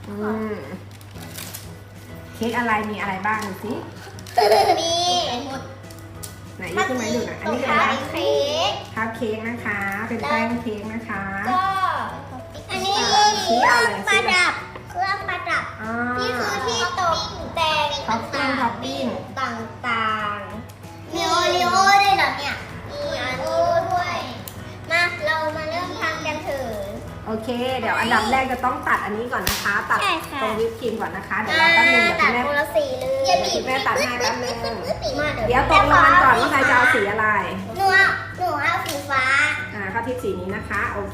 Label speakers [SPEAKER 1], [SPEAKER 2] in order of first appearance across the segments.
[SPEAKER 1] อืมเค้กอะไรมีอะไรบ้างดูสิ
[SPEAKER 2] มีหมด
[SPEAKER 1] ไหนยกขึ้นมาดูหน่อยอันนี้คืออะไร
[SPEAKER 2] เค้ก
[SPEAKER 1] คัพเค้กนะคะ เป็นแป้งเค้กนะคะ
[SPEAKER 2] ก็อันนี้
[SPEAKER 1] ชี้อะไร
[SPEAKER 2] ประดับเครื่องประดับ
[SPEAKER 1] อ่า
[SPEAKER 2] นี่คือที่ตกแต่ง
[SPEAKER 1] ท็อปปิ้งท็อปปิ้ง
[SPEAKER 2] ต่างๆมีโอริโอด้วยเหรอเนี่ยมีอันนี้ด้วยมาเรามาเริ่มทำกันเถอะ
[SPEAKER 1] โอเค เดี๋ยวอันดับแรกจะต้องตัดอันนี้ก่อนนะคะ ตัด
[SPEAKER 2] ใช่ค่ะ
[SPEAKER 1] ตรงวิปครีมก่อนนะคะ เดี๋ยวเราแป๊บนึงเดี๋ยว
[SPEAKER 2] ตั
[SPEAKER 1] คุ
[SPEAKER 2] ด
[SPEAKER 1] ณแม่
[SPEAKER 2] คนละสีเลย
[SPEAKER 1] คุณแม่ตัดให้แป๊บนึง
[SPEAKER 2] มา
[SPEAKER 1] เดี๋ยวตกลงกันก่อนว่าใครจะเอาสีอะไร
[SPEAKER 2] หนูเอาสีฟ้า
[SPEAKER 1] ข้าวทิพย์สีนี้นะคะ โอเค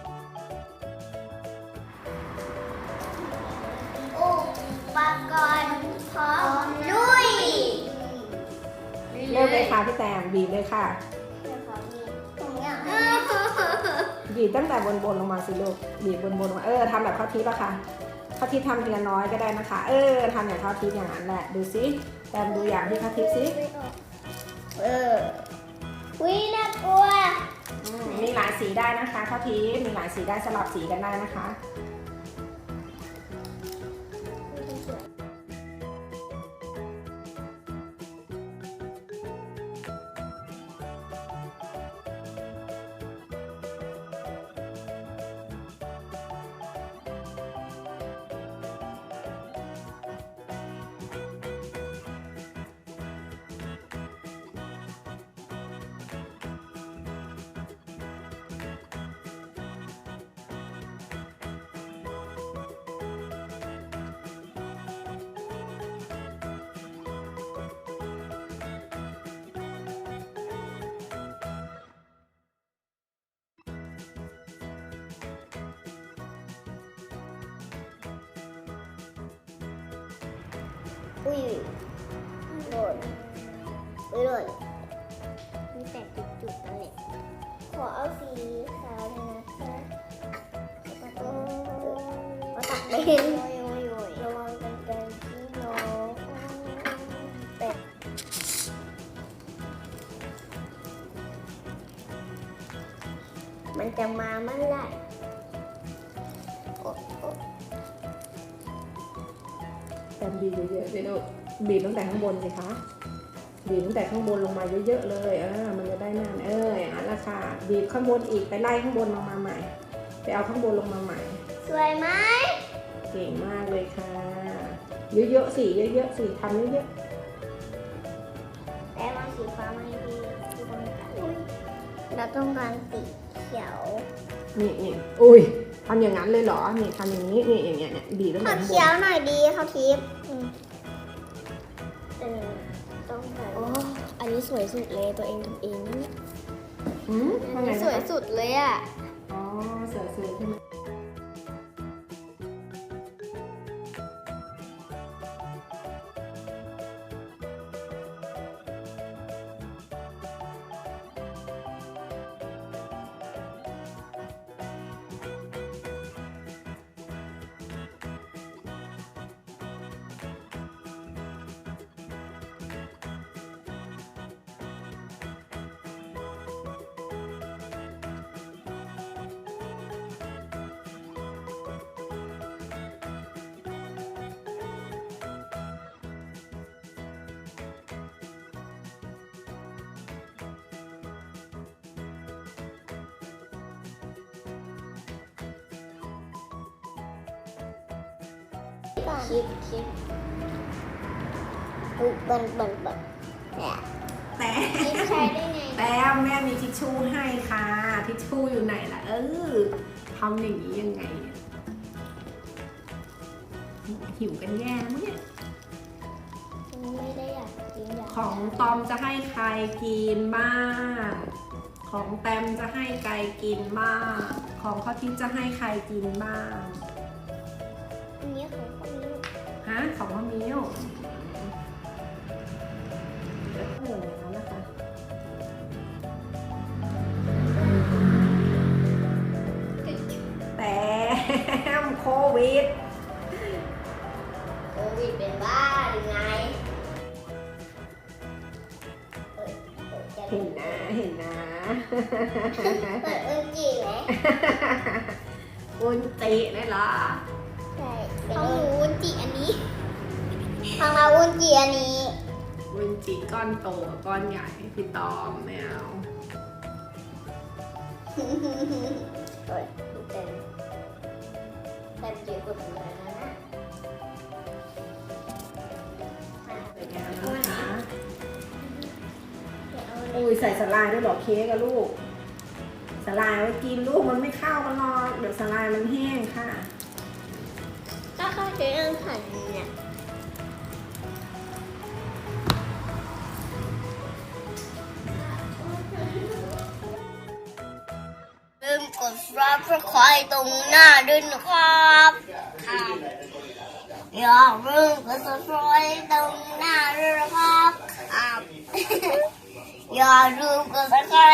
[SPEAKER 2] อุปกรณ์พร้อมลุย
[SPEAKER 1] เริ่มเลยค่ะพี่แตมบีบเลยค่ะ บีบตั้งแต่บนลงมาสิลูก บีบบนลงมา ทำแบบข้าวทิพย์อะค่ะข้าวทิพย์ทำทีละน้อยก็ได้นะคะ ทำอย่างข้าวทิพย์อย่างนั้นแหละ ดูสิแตมดูอย่างที่ข้าวทิพย์สิ
[SPEAKER 2] วิน่ากลัว
[SPEAKER 1] มีหลายสีได้นะคะข้าวทิพย์มีหลายสีได้สลับสีกันได้นะคะ
[SPEAKER 2] อุ้ยหล่นหล่นมีแต่จุดๆนั่นแหละขอเอาสีขาวเลยนะคะเอาตักเป็นระวังกันไกลที่น้องเป็ดมันจะมาเมื่อไหร่โอ้
[SPEAKER 1] แตมบีบเยอะๆเลยลูกบีบตั้งแต่ข้างบนสิคะบีบตั้งแต่ข้างบนลงมาเยอะๆเลยมันจะได้นานอย่างนั้นแหละค่ะบีบข้างบนอีกไปไล่ข้างบนลงมาใหม่ไปเอาข้างบนลงมาใหม่
[SPEAKER 2] สวยไหม
[SPEAKER 1] เก่งมากเลยค่ะเยอะๆสิเยอะๆสิทำเยอะ
[SPEAKER 2] แต่มาสีฟ้าไม่ดีที่ต้องการเราต้องการสีเขียว
[SPEAKER 1] ๆนี่อุ้ยทำอย่างนั้นเลยเหรอนี่ทำอย่างนี้นี่อย่างเงี้ยเนี่ยบีบตั้ง
[SPEAKER 2] ข
[SPEAKER 1] แต่
[SPEAKER 2] อ
[SPEAKER 1] ข้างบ
[SPEAKER 2] เขีย
[SPEAKER 1] น
[SPEAKER 2] วหน่อยดีเขาทิพย์ต้องการ
[SPEAKER 3] โอ้อันนี้สวยสุดเลยตัวเองทำเองนะ
[SPEAKER 1] ว่าไง
[SPEAKER 3] สวยสุดเลยอ่ะ
[SPEAKER 1] อ๋อสวยๆใช่ไหม
[SPEAKER 2] คิดบัน
[SPEAKER 1] แต่
[SPEAKER 2] คิดใช้ได้ไง
[SPEAKER 1] แต่แม่มีทิชชู่ให้ค่ะทิชชู่อยู่ไหนล่ะทำอย่างนี้ยังไงเนี่ยหิวกันแย่มั้งเนี่ย
[SPEAKER 2] ไม่ได้อยากกินอยาก
[SPEAKER 1] ของตอมจะให้ใครกินบ้างของแตมจะให้ใครกินบ้างของข้าวทิพย์จะให้ใครกินบ้าง
[SPEAKER 2] อันนี้ของคนนี้
[SPEAKER 1] ของพ่อมิ้วเดี๋ยวก็อย่างนั้นนะคะแต่โควิด
[SPEAKER 2] โควิดเป็นบ้าหรือไง
[SPEAKER 1] เห็นนะเห็นนะ
[SPEAKER 2] เปิดอึ้งจีไหม
[SPEAKER 1] อุนจิได้เหรอ
[SPEAKER 2] ใช่ช่
[SPEAKER 3] ของหนูวุ้นจิอันนี้
[SPEAKER 2] ทางเราวุ้นจีอันนี้
[SPEAKER 1] วุ้นจิก้อนโตกับก้อนใหญ่พี่ตอมไม่เอา
[SPEAKER 2] โอ้ยเต็มเยอะกว่าเลยนะ
[SPEAKER 1] สวยงามนะคะอุ้ยใส่สลายด้วยเหรอเค้กอะลูกสลายไว้กินลูกมันไม่เข้ากันหรอกเดี๋ยวสลายมันแห้งค่ะ
[SPEAKER 2] ก็เข้าใจเรื่องหั่นเนี่ยลืมกดซับสไครต์ตรงหน้าด้วยนะครับอย่าลืมกดซับสไครต์ตรงหน้าด้วยนะครับอย่าลืมกดซับสไคร